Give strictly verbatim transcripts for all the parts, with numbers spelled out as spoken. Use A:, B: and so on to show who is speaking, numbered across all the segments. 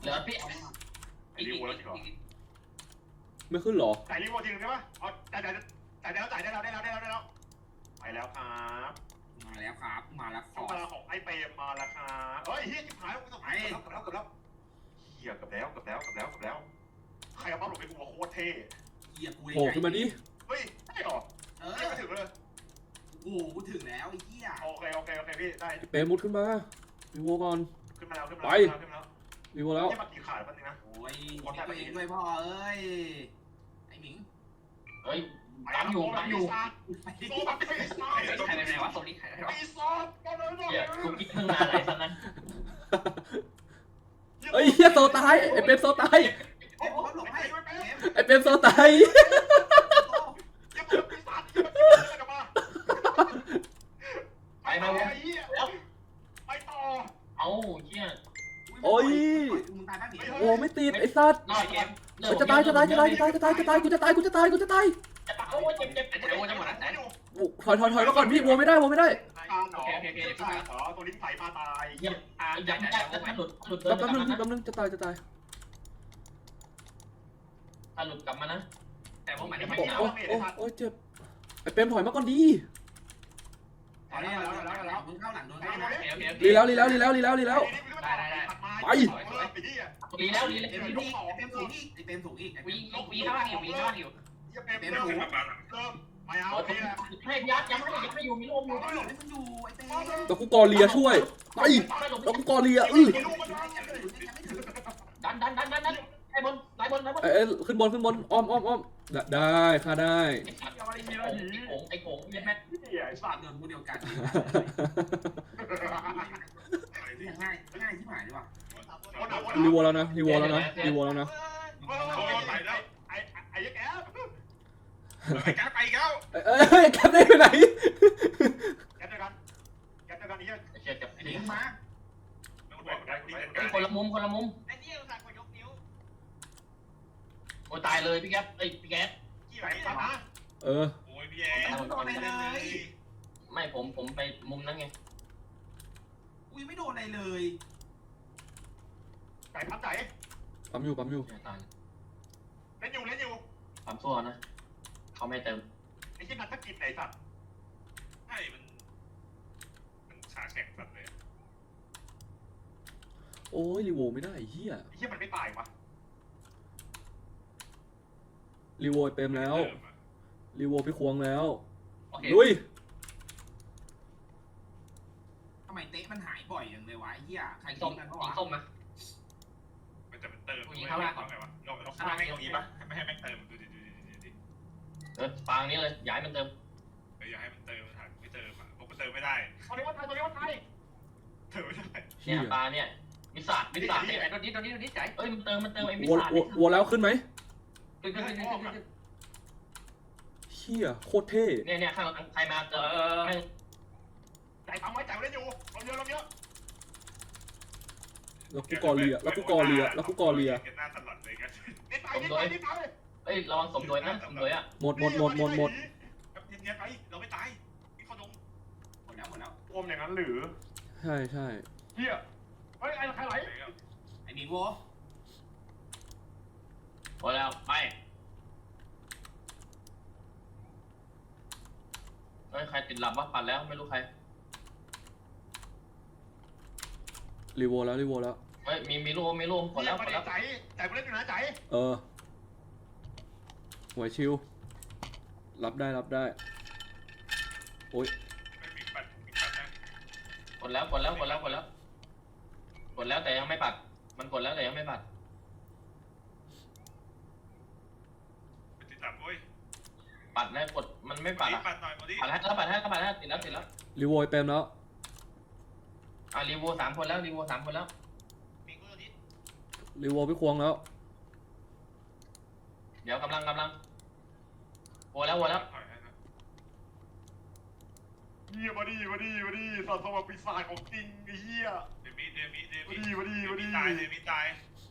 A: เหลือพี่
B: ไอ้รีโวแล้วจริงเหรอ
C: ไม่ขึ้นหรอ
B: จ่ายรีโวจริงใช่ปะเอาจ่ายจ่ายจ่ายได้แล้วจ่ายได้แล้วได้แล้วได้แล้วได้แล้วไปแล้วครับ
D: มาแล้วครับมาแล้วข
B: ช่ว
D: อง
B: เวลาของไอ้เปรมมาแล้วครับเฮ้ยเฮียจิ๋วหายกูต้องไปเกือบแล้วเกือบแล้วเฮียเกือบแล้วเกือบแล้วเกือบแล้วเกือบแล้วใครเอาบ้าหลบไปกูมาโคตรเท่
D: เหี้ยกู
C: โผล่ขึ้นมาดิ
B: เฮ้ยได้หรอ
D: เออ
B: ไม่ถึงเลย
D: โอ้โหกูถึงแล้วไอ้เหี้ย
B: โอเคโอเคโอเคพี่ได้
C: เปรมมุดขึ้นมารีโวก่อน
B: ขึ้นมาแล้วขึ้นมาแล้วขึ้นมาแล้ว
C: รีโวแล้ว
B: นี่มากี่ขาดแป๊บนึงนะ
D: โอ้ยคนตัวเองด้วยพ่อเอ้ยไอ้หมิง
A: เฮ้ยตามอยู่ตามอยู่
B: โซ่แบบปีศาจ
A: ใครเป็นไงวะโซนี่ใครเป็นไงวะ
B: ปีศาจมาเลยหน่อย
A: เดี๋ยวกูคิดตั้งนานอะไรสักนั้น
C: เอ้ยเฮียโซตายไอเปรมโซตาย
D: เอ็มหลบให้เอ็ม
C: ไอเปรมโซตาย
B: อย่าเปิดปีศาจอย่าเปิดกลับมา
A: ไปมา
B: ไป
A: วะ
B: เหี้ย
A: แล้ว
B: ไปต่อ
A: เอาเชี่ย
C: โอ้ย
D: มึงตายป่ะหมิง
C: โอ้ไม่ติดไอสัตว์
A: รอดเกม
C: จะตายจะตายจะตายจะตายจะตายจะตายกูจะตายกูจะตายกูจะตาย
A: จะตายโอ้ยเจ็บเจ็บเจ็บโอ้ยจะหมดแล้ว
B: ไม่อยู่
C: ถอยถอยถอยมาก่อนพี่วัวไม่ได้วัวไม่ได้
B: โอเคโอเคโอเคเดี๋ยวพี่ขอตัวลิ้นไผ่มาตาย
A: เยี่ยมอ่ายังไม่ได้ถ้าหลุดหลุด
C: แป๊บนึงแป๊บนึงจะตายจะตาย
A: ถ้าหลุดกลับมานะแต่พวกมันไม่
C: โอ้
A: หนาว
C: โอ้โอ้โอ้เจ็บไอเปรมถอยมาก่อนดี
D: เอาแล้วเอาแล้วเอาแล้วมึงเข้าหลังโดนเข้าหลัง
C: รีแล้วรีแล้วรีแล้วรีแล้วรีแล้ว
B: ไป
A: ดีแล้วดีแล้ว
D: เอ็ม
A: ดี
D: สู
A: แล้ว
D: งอีกเอ็มสูงอีกไอ้เต็มสูงอีกไอ้
A: วี
D: เต็ม
A: วีข้างล่างอยู่วีข้างล่างอยู่
B: เต็มสูงเริ่มไม่เอา
A: โอ้ย
B: พี่นะ
A: ให้ยัดยังไม่ยังไม่อยู่มีลมอยู่
D: ไอ้หลบให้มันอยู่ไอ้เต็ม
C: แล้วกูกอเลียช่วยไปแล้วกูกอเลียอือ
A: ดันดันดันดันดันไอ้บนไอ้บนไอ้บน
C: เอ้ยขึ้นบนขึ้นบนอ้อมอ้อมอ้อมได้ค่าได้
A: ไอ้สัตว์ไอ้โขงไอ้โขงไอ้แม่
B: ไอ้สัตว์
D: โดนผู้เดียวกันง่ายง่ายที่หมายดีกว่า
C: รีวอลแล้วนะรีวอลแล้วนะรีวอลแล้วนะ
B: ไอ้ไอ้ยักษ์แอบ
E: ไปแก๊ปไปแล้ว
C: เอ้ยแคปได้ไปไหน
B: แอบเดียวกันแอบเดียวกันนี่
A: เชียร์จับไอ้
D: หมิ
A: นี่
D: งมา
A: คนละมุมคนละมุม
E: ไอ้นี่เราสั่งกดยกนิ้ว
A: โอ้ตายเลยพี่แก๊ปไอ้พี่แก๊ป
E: กี่
B: ไห
E: ไห
B: น
E: น
B: ตามนะ
C: เออ
E: โอ้ยพี่แอ
D: ไม่โดนอะไรเลย
A: ไม่ผมผมไปมุมนั้นไง
D: อุ้ยไม่โดนอะไรเลย
B: ไก่พับไหน
C: ปั๊มอยู่ปั๊มอยู่
A: ตาย
B: เล่นอยู่เล่นอยู่
A: ปั๊มซัวนะเขาไม่เติม
B: ไอ้ที่นักกิจไหนสัตว์
E: ใช่มันมันขาแข็งสัตว์เลย
C: โอ้ยรีวอลไม่ได้เฮีย
B: ไอ้ที่มันไม่ตายวะ
C: รีวอลเต็มแล้วรีวอลพี่ควงแล้ว
A: โอเค
C: ลุย
D: ทำไมเตะมันหายบ่อยอย่างเลยวะไอ้เหี้ยใคร
A: ส้
D: ทิ้
A: ม
D: งกัน
A: ยิ
D: วะ
A: งส้มมา
E: มันจะเป็นเติมไงวะเราเราฆ่าแม่งตรงนี้ปะไม่ให้แม่งเติมดูดิดูดิดูดิ
A: เออปางนี้เลยย้ายมันเติม
E: เอออย่าให้มันเติมถ่ายไม่เติมอ่ะผมมันเติมไม่ได้
B: ตัวนี้ว่าไทยตัวนี้ว่าไทย
E: เติมไม่ได้
C: เฮี
A: เนี่ย ยปลาเนี่ยวิสาวิสาเนี่ยไอ้ตัวนี้ตัวนี้ตัวนี้ใจเอ้ยมันเติมมันเติมไอ้วิ
C: วอล
A: สาว
C: อลวอลแล้วขึ้นไหม
A: ขึ้นขึ้นขึ้นขึ้นขึ้น
C: เฮียโคตรเท่
A: เนี่ยเนี่ยข้างใครมาเติมแม่ง
B: ใจทำไว้ใจเล่นอยู่เราเยอะเราเยอะ
C: แล้วกูกอเลียแล้วกูกอเลียแล้วกูกอเลีย
E: หน้าตลอดเลยกัน
B: นิดไปนิดไปนิดไป
A: เอ้ยระวังสมโดยนะสมโดยอ่ะ
C: หมดหมดหมดหมดหมด
E: เนียนไปเราไม่ตายนี่เขาดง
D: หมดแล้วหมดแล้ว
B: อมอย่างนั้นหรือ
C: ใช่ใช่
B: เฮียเฮ้ยไอ้ใครไหล
D: ไอ้หมิงโว
A: พอแล้วไปเฮ้ยใครติดหลับวะปัดแล้วไม่รู้ใคร
C: รีวอลแล้วรีวอลแล้ว
A: เฮ้ยมีมีรูปมีรูปกดแล้วกดแล้ว
B: ใจใจเล่นอยู่นะใจ
C: เออหัวชิวรับได้รับได้โอ้ย
E: มีปัดมีปัดนะ
A: กดแล้วกดแล้วกดแล้วกดแล้วกดแล้วแต่ยังไม่ปัดมันกดแล้วแต่ยังไม่ปัด
E: ติดตับโอ้ย
A: ปัดแล้วกดมันไม่ปัดอ่ะ
E: ปัดหน่อยโมดิ
A: ปัดแล้วปัดแล้วปัดแล้วติดแล้วติดแล้ว
C: รีวอลเต็มแล้ว
A: อ่ะรีวิวสามคนแล้วรีวิวสามคนแล้ว
E: มีกูตัวนี้
C: รีวอลพี่ควงแล้ว
A: เดี๋ยวกำลังกำลังโวแล้วโวแล้ว
B: เฮียมาดีมาดีมาดีสัตว์สวรรค์ปีศาจของจริงไอ้เฮีย
E: เดมิเดมิเด
B: มา
E: มิ
B: ดีมาดีมาดี
E: ตายเดมิตาย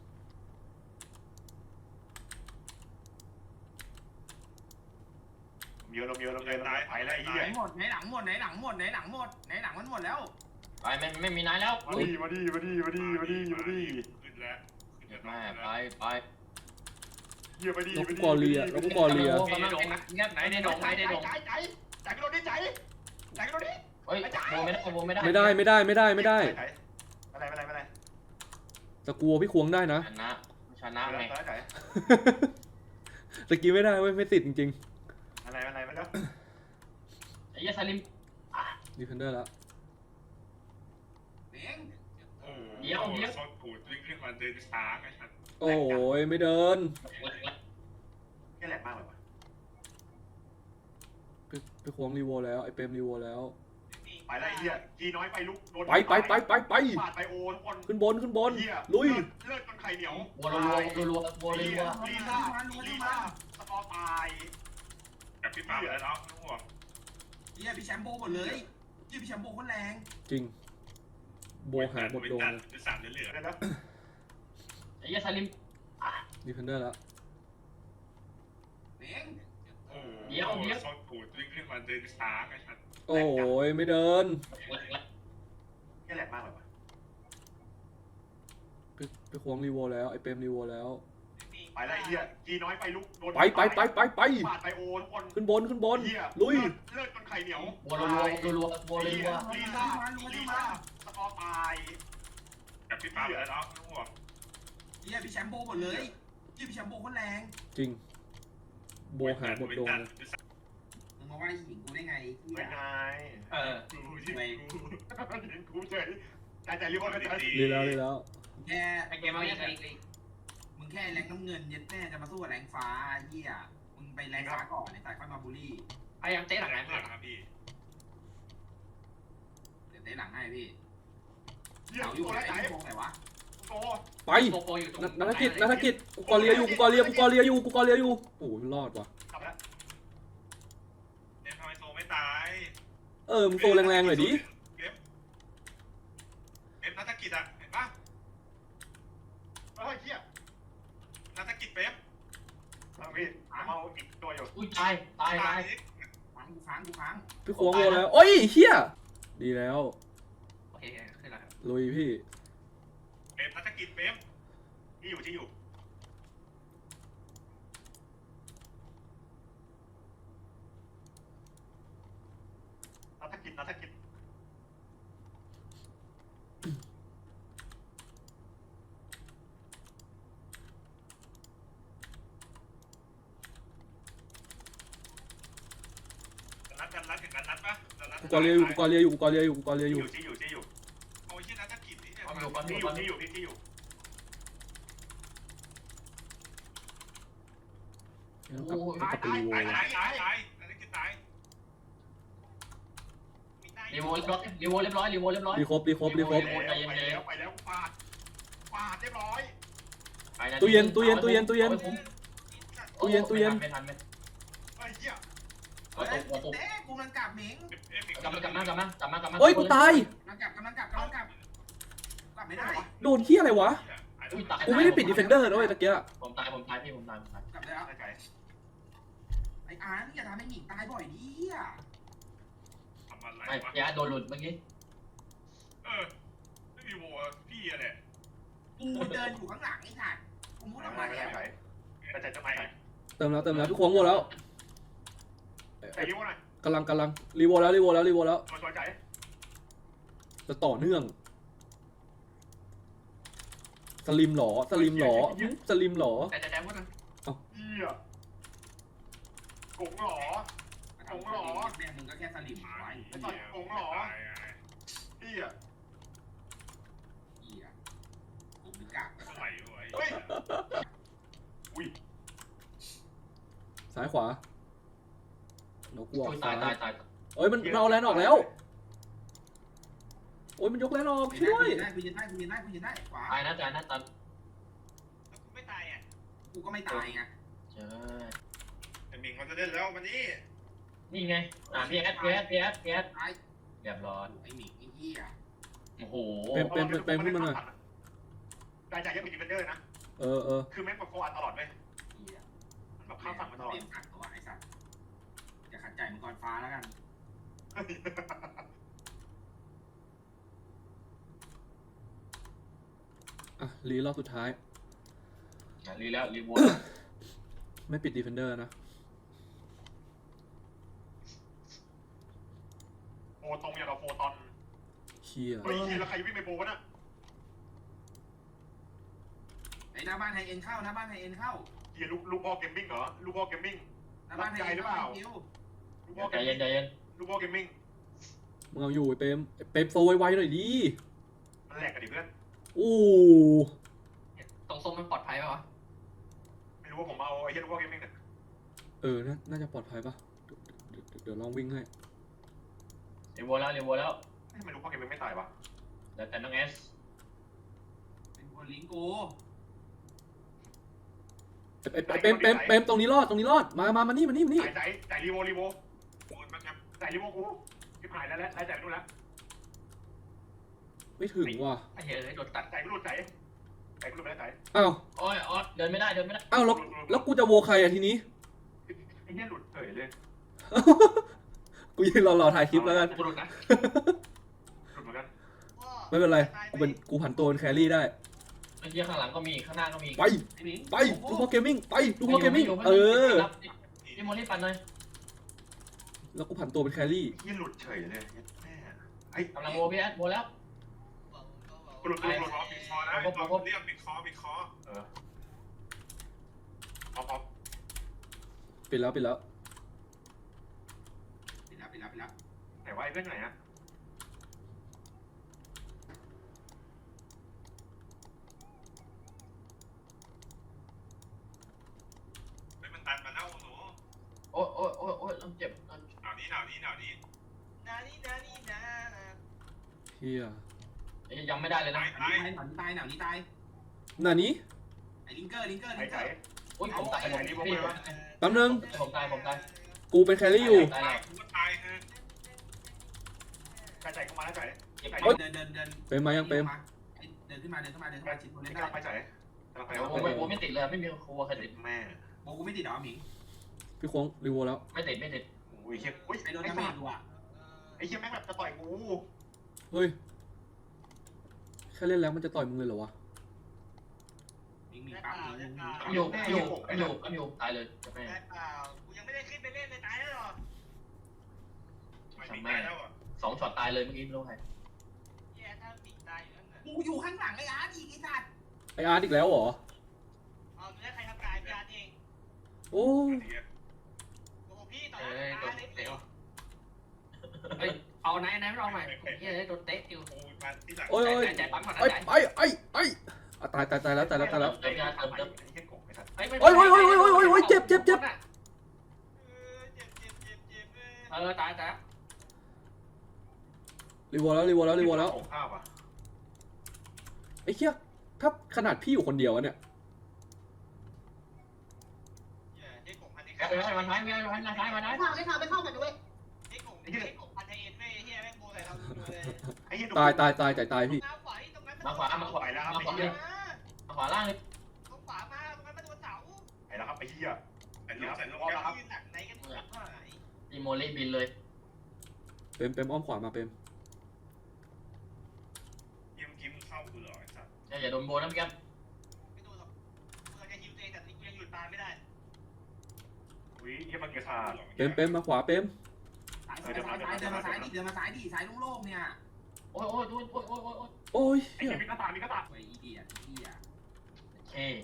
B: เยอะเราเยอะเราเยอะเราไปแล้วไอ้เฮี
D: ไห
B: ย
D: นหมดไหนหลังหมดไหนหลังหมดไหนหลังหมดไหนหลังมันหมดแล้ว
A: ไปไม่ไม่มีนายแล้ว
B: มาดีมาดีมาดีมาดีมาดีมาดี
E: ขึ้นแล้ว
A: ยแม่ไปไป
B: เหี้ยไปดี
C: แล้ว
B: ไป
C: กู
B: ดี
C: กอเลียแล้วกูกอเลีย
A: กำลังเงียบไหนในดงไหนในดง
B: ใจใจใจกันโดนดิใจใจกันโดนดิ
A: เฮ้ยโบไม่ได้โบไม่ได้
C: ไม่ได้ไม่ได้ไม่ได้ไม่ได้
B: อะไรอะไรอะไร
C: แต่กลัวพี่ควงได้นะ
A: ชนะชนะไง
B: ใจ
C: ตะกี้ไม่ได้เว้ยไม่ติดจริง
B: อะไรอะไรไม่ได้
A: ไอ้ยาสลิม
C: ๆดีเฟนเดอร์แล้ว
D: เม้ง
E: โอ้โหโซนกูวิ่งขึ้นมาเดินช้าไงครับ
C: โอ้ยไม่เดิน
B: แค่แหลกมากเลยวะ
C: พี่พี่ควงรีโวแล้วไอเปรมรีโวแล้ว
B: ไปแล้วไอ้เหี้ยกีน้อยไปลุกโดน
C: ไปไปไปไปไป
B: ปาดไปโอทุกคน
C: ขึ้นบนขึ้นบน
B: เหี้ย
C: ลุย
B: เลือดจนไข่เหนียว
A: โบรัวรัวรัวโบรัว
B: ลีซ่าลีซ่าสกอร์ตาย
E: กับพี่ปั๊มแล้วเนาะทั้งหมด
D: เฮียพี่แชมป์โบหมดเลยเฮียพี่แชมป์โบคนแรง
C: จริง โบหาบทโดน
E: เป็นสามเหลือ
B: เดี๋ยวนะ
A: ไอ้ยาสลิม
C: ดีเฟนเดอร์แล้ว
D: เม้ง
E: โอ้โหโซนกูวิ่งขึ้นมาเดินช้าไงครับ
C: โอ้ยไม่เดิน
B: แค่แหลกมากเลยวะ
C: พี่พี่ควงรีโวแล้วไอเปรมรีโวแล้ว
B: ไปแล้วไอ้เหี้ยกีน้อยไปลุกโดน
C: ไปไปไปไปไป
B: ปาดไปโอทุกคน
C: ขึ้นบนขึ้นบน
B: เหี้ย
C: ลุย
B: เลือดจนไข่เหนียว
A: โบรัวรัวรัวโบรัว
B: ลีซ่าลีซ่าสกอร์ตาย
E: กับพี่ปั๊มแล้วเนาะทั้งหมด
D: เฮียพี่แชมป์โบหมดเลยเฮียพี่แชมป์โบคนแรง
C: จริง โบหาบทโดน
D: มึงมาว่าหญิงกูได้ไงเฮีย
B: เป็นไง
A: เออ
E: กูที่กู
B: เห็นกูเฉยใจใจรีบอลใจ
C: ดีแล้วดีแล้ว
D: แค่
A: ไอ้เกมเอาอย่างไร
D: มึงแค่แรงน้ำเงินเย็ดแม่จะมาสู้กับแรงฟ้าเฮียมึงไปแรงฟ้าก่อนในสายค่อยมาบูลลี่
A: พยายามเตะหลังไหน
E: หลังครับพี่
D: เดี๋ยวเตะหลังให้พี่
B: เหี้ย
D: เสาอ
B: อยู่ ยู่
D: ไหน
B: ไหน
D: ไอ้พวกไหนวะ
B: โต
C: ไป
A: โปโปอยู่ตรง
C: นักกิจนักกิจกูกอเลียอยู่กูกอเลียกูกอเลียอยู่กูกอเลียอยู่โอ้ยรอดว่ะ
B: กลับแล้ว
E: เนี่ยทำไมโซไม่ตาย
C: เออมึงโตแรงๆหน่อยดิ
E: เอฟเอฟนักกิจอ่ะเห็นปะ
B: เฮ้ยเหี้ย
E: นักกิจเป๊ป
B: เอาพี่เอาอีกตัวอยู่
A: อุ้ยตายตายตาย
D: ค้างกูค้างกูค้าง
C: พี่ควงโวแล้วโอ้ยเฮียดีแล้ว
A: โอเคขึ้นแล้ว
C: ลุยพี่
E: เป๊ปนักกิจเป๊ป
B: ที่อยู่ที่อยู่นักกิจนักกิจ
E: รัดกันรัดกันรัดปะ
C: กูกอเลียอยู่กูกอเลียอยู่กูกอเลียอยู่กูกอเลียอยู่
B: ที่อยู่ที่อยู่
E: โอ้ยที่นักกิจนี่เนี่ย
A: ความอยู่ความอ
B: ที่
A: ยู่
B: อ
A: ค
B: ยู่
A: วามอ
B: ที่
A: ยู่
B: อยู่ที่ที่อยู่
C: แล้วกลับกลับไปรีโว
E: ตายตายตายตายนักกิจตาย
A: รีโวเรียบร้อยรีโวเรียบร้อยรีโวเรียบร้อย
C: รีครบรีครบรีครบ
B: ไปแล้วไปแล้วไปแล้วปาดปาดเรียบร้อย
C: ตู้เย็นตู้เย็นตู้เย็นตู้เย็น ตู้เย็นตู้เย็น
A: ไม่ทันไม่
B: เฮ้ยเหี้ย
A: กระตุกกระตุก
D: เต้กูกำลังกลับเม้ง
A: กลับมากลับมากลับมากลับมากลับมา
C: โอ้ยกูตาย
D: กำลังกลับกำลังกลับกำลังกลับกลับไม่ได้
C: โดนเฮียอะไรวะ
A: อุ้ยตาย
C: กูไม่ได้ปิดดีเฟนเดอร์นะเว้ยตะเกีย
A: ผมตายผมตายพี่ผมตายผมตาย
D: กลับได้แล้ว
B: ไก่
D: ไอ้อาร์ตอย่าทำให้หญิงตายบ่อยดิอ่ะ
E: ทำอะไร
A: ไอ้
E: วะ
A: ยาโดนหลุดเมื่อกี้
E: เออไม่มีโวพี่อะไร
D: กูเดินอยู่ข้างหลังไอ้ถ่านกูมุดออกมา
B: ไม่
D: แล้
B: ได้
D: ว
B: ไก่แต่ใจจะไม่ไก่
C: เติมแล้วเติมแล้วพี่ควงโวแล้ว
B: ไก่ยิ้วหน่อย
C: กำลังกำลังรีโวแล้วรีโวแล้วรีโวแล้ว
B: ตัวตัวไก่
C: จะต่อเนื่องสลิมหรอสลิมหรอสลิมหรอ
A: แต่แต่แต่ว่า
B: เหี้ยกงหรอ
D: แม่มึงก็แค่สลิมไว้
B: ไอ้สัตว์กงหรอเหี้ย
D: เหี้ยกูนึกกะ
E: อะไรวะ
B: เฮ้ยอุ้ย
C: ซ้ายขวานกวัว
A: อุ้ย
C: ซ้า
A: ตาย
C: ย
A: ตายตาย
C: เอ้ยมันมันเอาแลนออกแล้วโอ้ยมันยกแลนออกช่วย
D: ได้กูยืนได้กูยืนได้กูยืนได้ขวา
A: ตายนะตายนะตาย
E: ไม่ตายอ่ะ
D: กูก็ไม่ตายไง
A: เจ้
E: ไอ้มิงมันจะเล่นแล้ววันนี้
A: นี่ไงอ่ะพีแอสพีแอสพีแอสพีแอส
D: ตาย
A: เรียบร้อย
D: ไอ้หมิงไอ้เหี้ย
A: โอ้โห
C: เป็นเป็นเป็นเป็นขึ้นมาหน่อย
B: ใจใจยังเป็นดิฟเฟนเดอร์นะ
C: เออเออ
B: คือแม่งแบบโฟอันตลอดไหม
D: เหี้ย
B: มันแบบข้ามฝั่งมาตลอด
D: เตรียมกัดตัวไอ้สัตว์อย่าขัดใจมังกรฟ้าแล้วกัน
C: อ่ะรีรอบสุดท้าย
A: รีแล้วรีโว
C: ไม่ปิดดีเฟนเดอร์นะ
B: โฟตรงอย่างกับโฟตอน
C: เชี่ย
B: เฮ้ยแล้วใครวิ่งไปโบวะน่ะ
D: ไอ้หน้าบ้านไฮเอ็นเข้าหน้าบ้านไฮเอ็นเข้า
B: เฮียลูกลูกพ่อเกมมิ่งเหรอลูกพ่อเกมมิ่ง
D: หน้าบ้านไฮเอ็นเข้าคิว
B: ลูกพ่อเก
A: ใจ
B: ม
A: เย็
B: มิ่
A: น
B: ง
A: ใจเย็น
B: ลูกพ่อเกมมิ่ง
C: มึงเอาอยู่ไอ้เปรมไอ้เปรมโซไวๆหน่อยดิ
B: มันแหลกกันดิเพื่อน
C: โอ้
A: ตรงส้มมันปลอดภัยป่ะวะ
B: ไม่รู้ว่าผมเอาไอ้เฮียลูกพ่อเกมมิ่งเนี่ย
C: เออน่าน่าจะปลอดภัยปะเดี๋ยวเดี๋ยวเดี๋ยวลองวิ่งให้
A: รีโวแล้วรีโวแล้ว
B: ทำไมลูกพ่อเกมมิ่งไม่ตายวะ
A: แต่แต่น้องเอส
D: เป็นคนลิงกู
C: ไอ้ไอ้เปรมเปรมเปรมตรงนี้รอดตรงนี้รอดมามามานี่มานี่มานี่
B: จ่ายจ่ายจ่ายรีโวรีโว
E: ปูนมันครับ
B: จ่ายรีโวกูที่ผ่านแล้วแล้วจ่ายไปนู่นแล้ว
C: ไม่ถึงว่ะ
A: ไอ้เหี้ยเลยโดนตัด
B: จ่ายกูหลุดจ่ายจ่ายกูหลุดไปแล้วจ่าย
C: อ้าว
A: โอ้ยออสเดินไม่ได้เดินไม่ได้
C: อ้าวแล้วแล้วกูจะโวใครอะทีนี้
B: ไอ้เฮียหลุดเฉยเลย
C: กูยืนรอรอถ่ายคลิปแล้วกัน
A: กูหลุดนะ
B: หลุดเหมือนกัน
C: ไม่เป็นไรกูเป็นกูผันตัวเป็นแครี่ได้
A: ไอ้เหี้ยข้างหลังก็มีข้างหน้าก็มี
C: ไป
D: ไอ้หมิง
C: ไปดูพอเกมมิ่งไปดูพอเกมมิ่งเออ
A: พี่โมลี่ปั่นเลย
C: แล้วกูผันตัวเป็นแครี่
B: เฮียหลุดเฉยเลยแม่ไอ้
A: กำลังโวพี่แอดโวแล้ว
B: หลุดหลุดหลุด
E: คอปิดคอนะเราเรียกปิดคอปิดคอ
B: เออพอพอ
C: ปิดแล้วปิดแล้ว
D: ไปแล้วไปแล้วไปแล้ว
B: ไหนวะไอ้เพื่อนไหนอะ
E: ไม่มันตันมาแล้วหนู
A: โอ้ยโอ้ยโอ้ยโอ้ยเจ็บ
E: หนาวนี้หนาวนี้หนาวนี้
D: นานี่นานี่นา
C: เฮีย
A: ยังไม่ได้เลยนะ
E: ตาย
D: ตายหนาวนี้ตายหนาวนี้ตาย
C: หน้านี้
D: ไอ้ลิงเกอร์ลิงเกอร์
B: ไอ้
D: ลิงเก
B: ใจ
D: อร์
A: อุ้ยผมตายผมพี่
C: แป๊บนึง
A: ผมตายผมตาย
C: กูเป็นแครี่อยู่
A: ตาย
E: ตา
A: แล้
E: ยว กูก็ตายคือ
B: ใจใจเข้ามาแล้วใจ
A: เจ็บ
D: เดินเดินเดิน
C: เปรมมายังเปรม
D: เดินขึ้นมาเดินขึ้นมาเดินขึ้นมาชิดคน
B: ไม่
D: เล่น
B: ก
D: ได้
B: ล้าไปใจกำลังไป
A: โอ้ไม่โอ้ไม่ติดเลยไม่มีครัวใครติด
B: แม่
D: โบกูไม่ติดหรอหมิง
C: พี่ควงรีโวแล้ว
A: ไม่ติดไม่ติด
B: โอ้ยเฮียอุ้ย
D: ไอ้โดน
B: ไอ้
D: ดาเม
B: สั
D: จ
B: ตว์
D: กูอ่ะ
B: ไอ้เฮียแม่งแบบจะต่อยกู
C: เฮ้ยแค่เล่นแล้วมันจะต่อยมึงเลยเหรอวะ
D: หมิงหมิงปั๊บหมิงหมิง
A: อยู่อยู่อยู่อยู่ตายเลยจะแม่
F: ได้เปล่ากูยังไม่ได้ขึ้นไปเล่นเลยตายแล้วเหรอ
E: ไม่มีตายแล้วอ่ะ
A: สองช็อตตายเลยเมื่อกี้ไม่รู้ใคร
F: แย่ถ้าติดตายอยู่นั่นน่ะ
D: กูอยู่ข้างหลังไอ้อาร์ตอีกไอ้สัตว์
C: ไออาร์ตอีกแล้วเหรอ
F: เอาดูแลใครทำกายพี่อาร์ตเอง
C: โอ้
F: โอ้โหพี่ต่อ
A: เอ้
F: หน้าย
A: โด
F: ตาน เลย
A: เตะเฮ้ยเอาไหนไหนไม่เอาใหม่เฮ้ยโดนเตะอยู่
E: ปูมาที่หลัง
C: โอ้ยโอ้ย
A: ใจปั๊มก่อนนะ
C: ไอ้
A: ใจ
C: ไอ้ไอ้ไอ้อ่ะตายตายตายแล้วตายแล้วตายแล้ว
A: เติมยาเติมเติม
B: ไอ้เฮียกบไอ้สัตว์
C: โอ้ยโอ้ยโอ้ยโอ้ยโอ้ยโอ้ยโอ้ยเจ็บเจ็บเจ็บ
F: เออเจ็บเจ็บเจ็บเจ็บเออ
A: เออตายตาย
C: รีโวแล้วรีโวแล้วรีโวแล้ว
B: ของข้าวอ่ะ
C: ไอ้เหี้ยถ้าขนาดพี่อยู่คนเดียวอะเนี่ย
F: เหี้ยเจ๊กบพันธุ์ไทย
A: แกไปให้มันท้ายไม่ให้มันท้ายมาได้
G: ไม่เข้าไม่เข้าไม่เข้ากันด้วย
F: เจ๊กบเจ๊กบพันธุ์ไทยเอ็นเว้ยเฮียแม่งโบใส่เราดูเลย
B: ไอ้เฮีย
C: ตายตายตายตายตายพี่
F: น้ำขวาที่ตรงนั้น
A: มาขวามาขวามาขวาเลยมาขวาล่างเลย
F: ตรงขวามาตรงนั้นมาโดนเสา
B: ไอ้แล้วครับไอ้เฮีย
E: ไอ้ลูกใส่ลูก
F: ยื
E: ครับ
F: นหนักไหนกันเนี่ย
A: อีโมลี่บินเลย
C: เปรมเปรมอ้อมขวามาเปรม
E: ยิ้มยิ้มเข้ากูเหรอไอ้สัตว์
A: อย่าโดนโบนะพี่แก
F: ไม่โดนหรอกกูจะฮิวตัวเองแต่กูยังหยุดตายไม่ได้
B: อุ้ยเฮียมันเกียร์ขาด
C: เปรมเปรมมาขวาเปรม
D: สายสายสายเดินมาซ้ายดิเดินมาซ้ายดิสายโล่งๆเนี่ย
A: โอ้ยโอ้ยโอ้ยโอ้ยโอ้ยโอ้ย
C: โอ้ย
B: ไอ้
C: เหี้ย
B: เฮียมีกระตามีกระตา
D: ไอ้อีเดียไอ้เหี้ย
A: เฮ้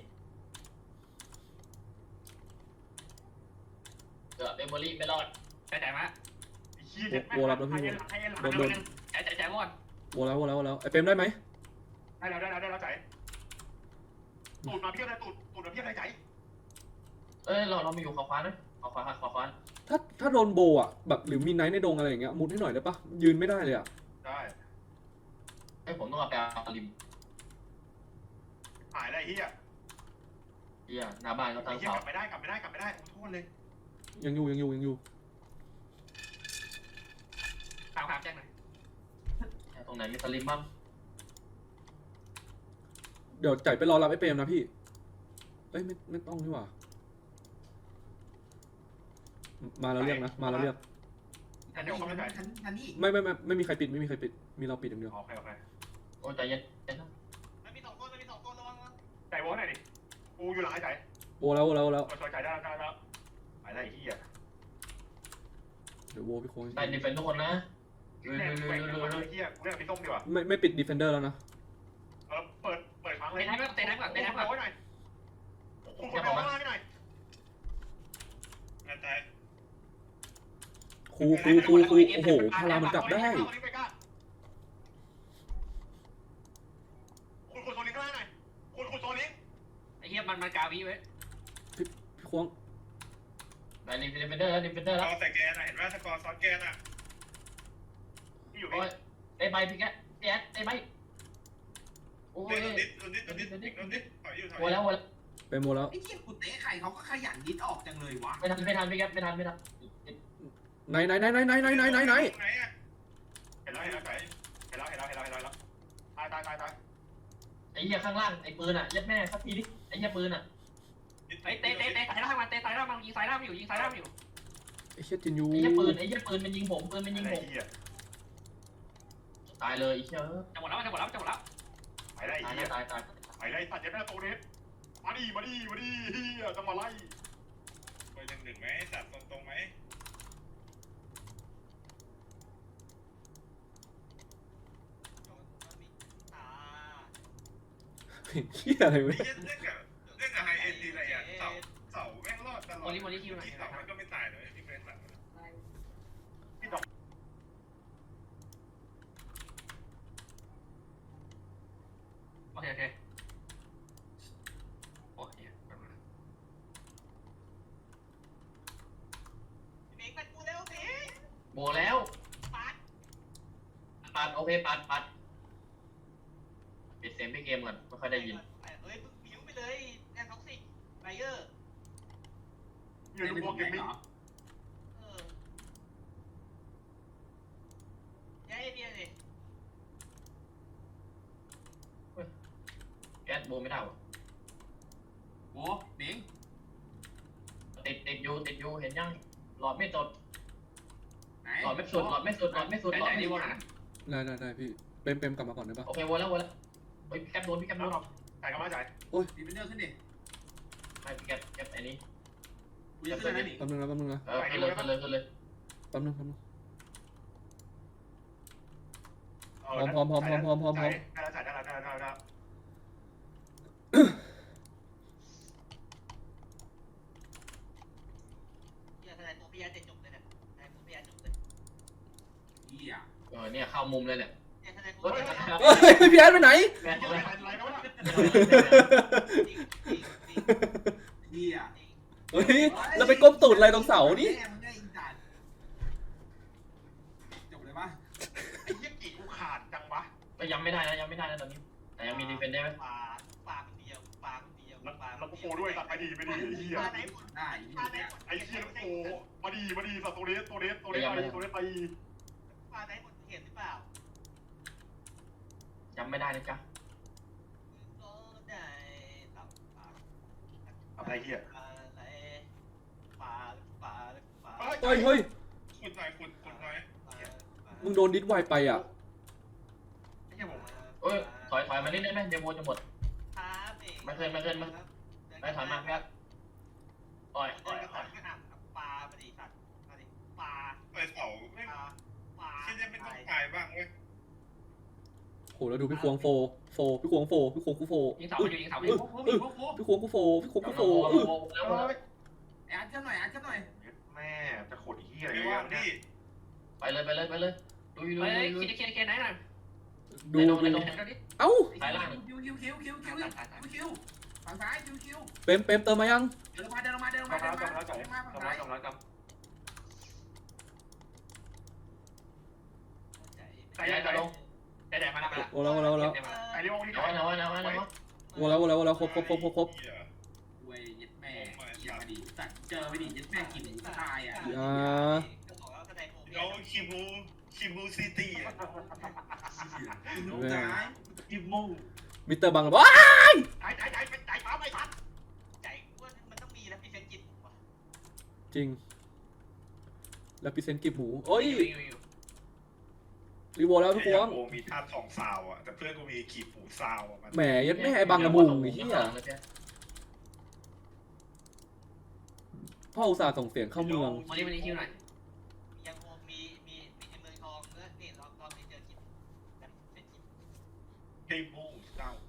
A: เกือบเอโมลี่ไม่รอดใจใจมา
B: ไอ้เฮียเจ็บแม่งให้ให้ให้
C: โดนโดน
A: ใจใจใจวอน
C: โวแล้วโวแล้วโวแล้วไอ้เปรมได้ไหม
B: ได้แล้วได้แล้วได้แล้วใจตูดมาเพี้ยอะไรตูดตูดมาเพี้ยอะไรใจ
A: เอ้ยเราเรามีอยู่ขวาขวานะขวาขวาขวาขวา
C: ถ้าถ้าโดนโบอ่ะแบบหรือมีไนท์ในดงอะไรอย่างเงี้ยมุดให้หน่อยได้ปะยืนไม่ได้เลยอ่ะ
B: ได้
A: ไอ้ผมต้องเอาไปเอาริม
B: หายอะไรเฮีย
A: เฮียหน้าบ้านเขา
B: ไอ้
A: ตั้ง
B: เฮีย
A: เสาก
B: ลับไม่ได้กลับไม่ได้กลับไม่ได้โทษเลย
C: ยังอยู่ยังอยู่ยังอยู่
A: ถามถามแจ้งหน่อยตรงไหนมีสลิมบ้าง
C: เดี๋ยวจ่ายไปรอรับไอ้เปรมนะพี่เอ้ยไม่ไม่ต้องนี่หว่ามาแล้วเรียกนะมาแล้วเรียก
D: ทันนี่ทันทันนี่
C: ไม่ไม่ไม่ไม่มีใครปิดไม่มีใครปิดมีเราปิดอย่างเดียว
B: โอเคโอเค
A: โอ้ใจเย็น
F: มันมีสองตัวมันมีสองตัวระวังนะ
B: ใจวอหน่อยดิกูอยู่หลังไอ้ใจ
C: โวแล้วโวแล้วโวแล้ว
B: ช่วยใจได้ได้แล้วไปได้ไอ้เหี้ย
C: เดี๋ยวโวพี่โค้ง
A: ได้ดิเฟนทุกคนนะลุย
B: แม่
A: ลุ
B: ง
A: ย
B: แม่ง
A: ลุยลุยลุย
B: ไอ้เหี้ยกูเล่นกับพี่ส้มดีกว่า
C: ไม่ไม่ปิดดีเฟนเดอร์แล้วนะ
B: เออเปิดเปิดครั้งเล
F: เตะ
B: ย
F: น้ำก่อนเตะน้ำก่อนเตะน้ำก่อน
B: ไว้หน่อยคุณคนไปข้างล่างหน่อย
E: งานตาย
C: ครูครูครูครูโอ้โหพลังมันกลับได้
B: คุณคุณโซลิงข้างล่างหน่อยคุณคุณโซลิง
F: ไอ้เหี้ยมันมันกาวีไว้
C: พี่โค้ง
A: ได้ดิเฟนเดอร์แล้วดิเฟนเดอร์
E: ส
A: แล้ว
E: กอร์แต่แกน่ะเห็นว่าสกอร์ซ้อนแกน่ะ
B: ที่อยู่
A: โอ้
B: นี่
A: ยได้ใบพี่แกแจ๊ดได้ใบโอ้ย
E: เล่นนิดนิดนิดนิดนิดถอยอยู่ถอย
A: โวแล้วโวแล้ว
C: เป็นโมแล้ว
D: ไอ้เหี้ยกูเตะใครเขาก็ขยันดิดออกจังเลยวะ
A: ไม่ทันไม่ทันพี่แกไม่ทันไม่ทัน
C: ไหนไหนไหนไหนไหนไหนไหนไหนไหน
E: ไหนอ่ะ
B: เห็นแล้วเห็นแล้วเห็นแล้วเห็นแล้วเห็นแล้วเห็นแล้วตายตายตายตาย
A: ไอ้เหี้ยข้างล่างไอ้ปืนอ่ะยัดแม่สักทีดิไอ้เหี้ยปืนอ่ะ
F: ไอ้เตะเตะเตะสายล่างมันเตะสายล่างมันยิงสายล่างอยู่ยิงสายล่างอยู่
C: ไอ้เชี่ยจินยู
A: ไอ้เหี้ยปืนไอ้เหี้ยปืนมันยิงผมปืนมันยิง
B: ไอ้
A: ผม
B: เหี้ย
A: ตายเลยไอ้เหี้ย
F: จะหมดแล้วจะหมดแล้วจะหมดแล้ว
B: ไปได้ไอ้
A: ตาย
B: เหี้ย
A: ตายตาย
B: ไปได้สัตว์ยัดแม่โตเน็ตมาดิมาดิมาดิเหี้ยจะมาไล่
E: ไปหนึ่งหนึ่งไหมสัตว์ตรงตรงไหม
F: อ่า
C: เชี่ยอะไรวะ
E: เล่นเล่นกับเล่นกับไฮเอ็นดีอะไรอ่ะเสาเสาแม่งรอดตลอด
F: โมลิโมลิคิวหน่อย
E: ที่เสามันก็ไม่ตายเลยที่เฟรนด์หลัง
F: โอเคโอเคโอเคเมกมันกูเร็วเมก
A: โบแล้ว
F: ปัด
A: ปัดโอเคปัดปัดปิดเสียงพี่เกมก่อนไม่ค่อยได้ยิน
F: เฮ้ยมึงบิ้วไปเลยแอนท็อกซิกไบเออร์
B: อยู่ในพวกเกมมิ่ง
F: เออย้ายไอเดียเลย
A: แก๊สโบไม่ได้วะ
D: โอ้เด้ง
A: ติดติดอยู่ติดอยู่เห็นยังหลอดไม่สด
D: ไหน
A: หลอดไม่สุดหลอดไม่สุดหลอดไม่สุดหลอดไม่สุด
C: ได้ได้ได้พี่เปมเปมกลับมาก่อนได้ปะ
A: โอเควนแล้ววนแล้วเฮ้ยพี่แก๊ปโดนพี่แก๊ปโดน
B: จ่ายกันมาจ่าย
D: ดีเป็นเดอร์ขึ้นดิ
A: ไม่พี่แก๊ปแก๊ปไอ้นี่
D: กูจะขึ้นแล้วนี่
C: แป๊บนึงนะแป๊บนึงนะ
A: เออขึ้นเลยขึ้นเลยขึ้นเลย
C: แป๊บนึงแป๊บนึง
B: ได้แล้วจ่ายได้แล้วได้แล้วได้แล้ว
F: อย่าทนายตัวพี่ยาเจ็ดจบเลยเนี่ยทนายตัวพี่ยาจบเลย
D: เหี้ย
A: เออเนี่ยเข้ามุมเลยเนี่ย
F: อย่าทนายตัว
A: เฮ้ย
F: พี่ยา
C: เฮ้ยพี่แอดไปไหน
A: แก๊ป
B: ไอ้
A: เลย
B: ไรแล้ววะ
F: จริงจริงจริง
D: เหี้ย
F: จริง
C: เฮ้ยเราไปก้มตูดอะไรตรงเสานี่
D: แม่มึงได้อินจัดจบเลยปะ
B: ไอ้เหี้ยกี่กูขาดจังวะ
A: ก็ยังไม่ได้นะยังไม่ได้นะตอนนี้แต่ยังมีดีเฟนได้ไหม
F: ปลาปลาคนเดียวปลาคนเดียว
B: แล้ว
F: ปลา
B: แล้วกูโฟด้วยตัดไปดีไปดีไอ้เหี้ย
F: ปลาไหนหมด
D: ได้
F: ปลาไหนหมด
B: ไอ้เหี้ยโอ้มาดีมาดีสัตว์ตัวเล็กตัวเล็กตัวเล็กไปตัวเล็กไป
F: ปลาไหนหมดเห็นหรือเปล่า
A: จำไม่ได้นะจ๊ะ
F: ก็ได้ตับปลา
B: อะไรเหี้ย
F: อะไรปลาปลาปลา
C: เฮ้ยเฮ้ย
E: ขุดหน่อยขุดขุดหน่อย
C: มึงโดนดิสไวไปอ่ะ
B: ไอ้เหี้ยผม
A: เอ้ยถอยถอยมานิดได้ไหมเดี๋ยวโบจะหมด
F: ไม่เคยไม่เคยไม่
A: ไม่ถอยมาแค่อ่อย
F: ป
A: อ่
F: ลา
A: อยอ่อย
F: ปลาปลาดิสัตว์ปลาดิปลา
E: ไปเสาไม่
F: ปลาปลา
E: แค่นี้ไม่ต้องตายบ้างเว้ย
C: โหแล้วดูพี่ควงโฟโฟพี่ควงโฟพี่ควงกูโฟ
F: ยิงเสาอยู่ยิงเสาอ
D: โอ้
F: ยู่
D: โหโอ้โห
C: พี่ควงกูโฟพี่ควงกูโฟ
A: โบโบแล้ว
D: ไอ้อัดขึ้นหน่อยอัดขึ้นหน่อย
B: แม่จะขดเหี้ยอะไร
E: ไม่
B: วะ
E: ว่าง
B: เนี่ย
E: พี่
A: ไปเลยไปเลยไปเลยดูดู
F: เฮ้ย
A: ดู
F: เคลียร์เคลียร์เคลียร์ไหนหน่อย
C: ดู
A: ไม่โดน
C: ดู
A: ไม่โดน
C: เอ้า
A: สายล่าง
D: คิวคิวคิวคิวคิวคิวคิวฝั่งซ้ายคิวคิว
C: เปมเปมเติมมายัง
D: เดินลงมาเดินลงมาเดินลงมา
B: จำ
D: เดิ
B: แล้ว
D: นลง
B: จำ
D: มา
B: แล้วจ่าย
D: เดินลงมาฝั่ง
B: จำแล้
D: ซ้า
B: วย จำแล้วจำ
A: ใจจะลง
F: แต่แต่มาแล้วมาแล้ว
C: โอ้แล้วโอ้แล้วโอ้แล้ว
B: ไอ้เรื่องที่
A: เอาไว้เอาไว้เอาไว้เอาไว้
C: โอ้แล้วโอ้แล้วโอ้แล้วครบครบครบครบครบ
E: เหี้ย
D: เว้ยยัดแม่เหี้ยมาดิสัตว์เจอไปดิยัดแม่กินหมูตายอ่ะ
C: อ่า
F: ก็บอกแล้วทนายโม
E: เราคิมูคิมูซิตี้อ่ะ
D: กินหมูตาย
E: คิมู
C: มิสเตอร์บังว้า
B: จ่ายจ่ายจ่ายเป็นจ่ายฟ้าไม่ทัน
F: ใจว่ามันต้องมีแล้วพี่เฟนจิต
C: จริงแล้วพิเศษกิบหมูโอ้ยรีโวแล้วพี่ควง
E: โอ้มีธาตุทองซาวอ่ะแต่เพื่อนกูมีขีดหมูซาวอ่ะมัน
C: แหมยัดแม่ไอ้บังกระบุงไอ้เหี้ยพ่ออุตส่าห์ส่งเสียงเข้าเมือง
G: วันนี้วันนี้คิวหน่อย
F: ยังคงมีมีมีในเมืองทองเออเนี่ยรอบรอบนี้เจอกินแบบเป็นกิน
E: เกมโม่เจ้า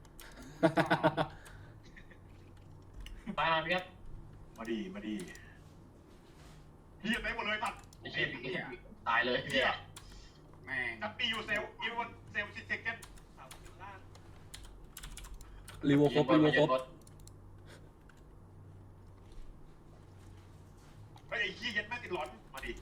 A: ตายมาพี่ครับ
B: มาดีมาดีเฮียไปหมดเลยตัด
A: ไอ้เชี่ยตายเลย
B: เฮี
A: เฮี
B: ย
A: ย
D: แม่ง
B: จับปีอยู่เซลอีวันเซลซิเซกัน
F: เสาอยู่ล่าง
C: รีโวครบรีโวครบ
B: ไอ้เฮียยัดแม่ติดหลอนมาดี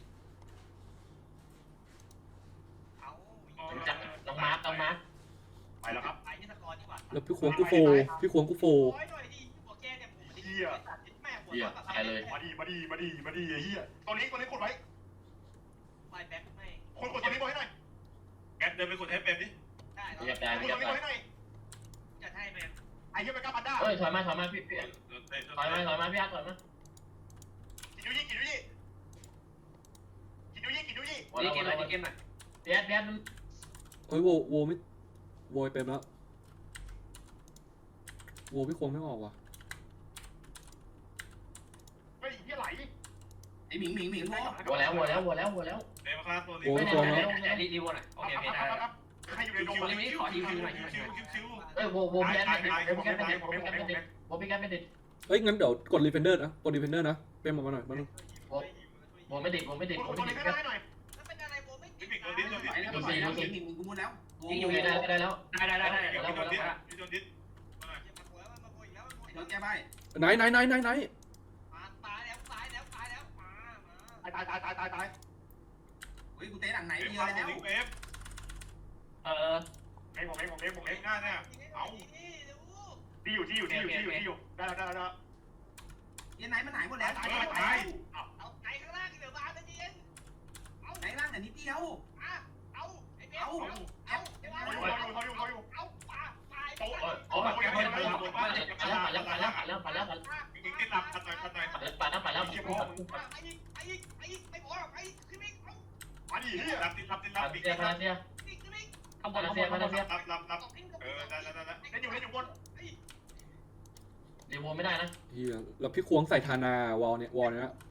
F: เอา
A: จับน้องมาร์คน้องมาร์ค
B: ไปแล้วครับ
F: ไปที่สกอร์ดีกว่า
C: แล้วพี่ควงกูโฟพี่ควงกูโฟ
F: โอ้ยหน่อยดิหัวแกเนี่ยผมไม่ได้ตัดแม่หัว
A: เฮีย
F: ตัด
A: ตายเลย
B: มาดีมาดีมาดีมาดีไอ้เฮียตัวนี้ตัวนี้กดไว้
F: ไม่แบ็คไม่
B: คนกดตัวนี้ไว้ให้หน่อย
E: แกเดินไปกดให้เป็นดิ
F: ได้
A: เรียบ
F: แล้ว
A: ได้
B: กด
A: เรี
B: ตั
A: ยว บ
B: นี้
A: ได้
B: ไว้ให้หน่อย
F: จะให้แมน
B: ไอ้เฮียไปกล้าพันด้า
A: เฮ้ยถอยมาถอยมาพี่พี่
E: โดนเตะโดน
A: ถอยมา
E: เตะ
A: ถอยมาพี่อาร์ตถอยมา
B: กินดูยี่กินดูยี่กินดูยี่กินดูยี่
A: หัว
G: ดี
A: เรา
G: เกมหน่อยดีเกมหน่อย
A: พี่อาร์ตพี่อาร์ต
C: เฮ้ยโวโวไม่โวยเป็นแล้วโวพี่ควงไม่ออกว่ะ
B: เฮ้ยเฮียไหล
D: ไอ้หมิงหมิงหมิงโว้
A: หัวแล้วหัวแล้วหัวแล้วหัวแล้ว
E: เตะมาฆ่าตัวนี้
C: โว
A: ไม่
C: พี่
A: ได้
C: ควง
A: ไม่
C: แล้ว
A: ได้
G: รีรีโวหน่อยโอเคโอเคได้
B: ใครอยู่ในดง
G: วันนี้วันนี้ขอฮิวฮิวหน่อยฮิวหน่อย
E: คิวคิวคิว
A: เอ้ยโวโวพี่อาร์ตไม่ติดโวพี่อาร์ตไม่ติดโวพี่อาร์ตไม่ติดโวพี่อาร์ตไม่ติด
C: เอ้ยงั้นเดี๋ยวกดรีเฟนเดอร์นะกดรีเฟนเดอร์นะเป็นออกมาหน่อยมาหน่อย
A: โวไม่ติดโวไม่ติด
B: ก
A: โว
B: ดตัว
A: ไม่
B: นี้
A: ติด
B: ให้หน่อย
F: แล้วเป็นอะไรโบไม่ติด
E: บิ๊กโดนดิสโดนดิส
D: ไปแล้ว
E: โดน
D: ไป
E: ดิส
D: แล้วหมิงหมิงมึงกูมุดแล้ว
A: ยิงอยู่ได้ได้แล้ว
G: ได้ได้ได้ได้
E: บิ๊ก
G: เดี๋ยว
E: โด
G: เรา
E: นดิส
G: แล้ว
E: บิ๊กโดนดิส
F: มาโวยมาโวยแล้วมาโวย
D: รถแก้ใบ
C: ไหนไหนไหนไหนไหน
F: มาตายแล้วตายแล้วตายแล้วมามา
B: ตายตายตายตายตาย
D: เฮ้ยกูเตะหลังไหน
E: เอฟ
D: เดีย
E: ฆ่า
D: อะ
E: ตัว
D: แล้ว
E: นี้เอฟ
G: เออ
B: เองผมเองผมเองผม
E: เอ
B: เอง
E: ฟหน้าเนี่ย
F: เอา
B: ที่อยู่ที่อยู่ที่อยู่ที่อยู่ที่อยู่ได้แล้วได้แล้วได้แล้ว
D: ยันไหนมันหายหมดแล้ว
B: ตายตายตาย
F: เอาไก่ข้างล่างเหลือบานเย็นเอา
D: ไหนล่างแต่นิดเดียว
F: อ่ะเอาไอ้เบล
D: เอา
F: เอาเอาเอาเอาปาปา
A: โอ้โอ้โอ้ปัดแล้วปัดแล้วปัดแล้วปัดแล้วปัดแล้วปัดแล้วปัดแล้ว
E: บิ๊กติดหลับตัดหน่อยตัดหน่อย
A: ปัดแล้วปัดแล้วปัดแล้ว
F: ไอ้ยิงไอ้ยิงไอ้ยิงไม่พอหรอกไอ้ขึ้นไม่เอา
B: มาดิเฮีย
E: หลับติดหลับติดหลับ
A: ปัด
E: บิ๊ก
A: เสียปัดเสีย
F: ขึ้นไม่
G: ข้างบนข้างบนข้างบน
E: หลับหลับหลับเออได้ได้ได้
B: เล่นอยู่เล่นอยู่บน
A: เดี๋ยวโวไม่ได้นะ
C: เฮียแล้วพี่ควงใส่ธานาวอลเนี่ยวอลเนี้ย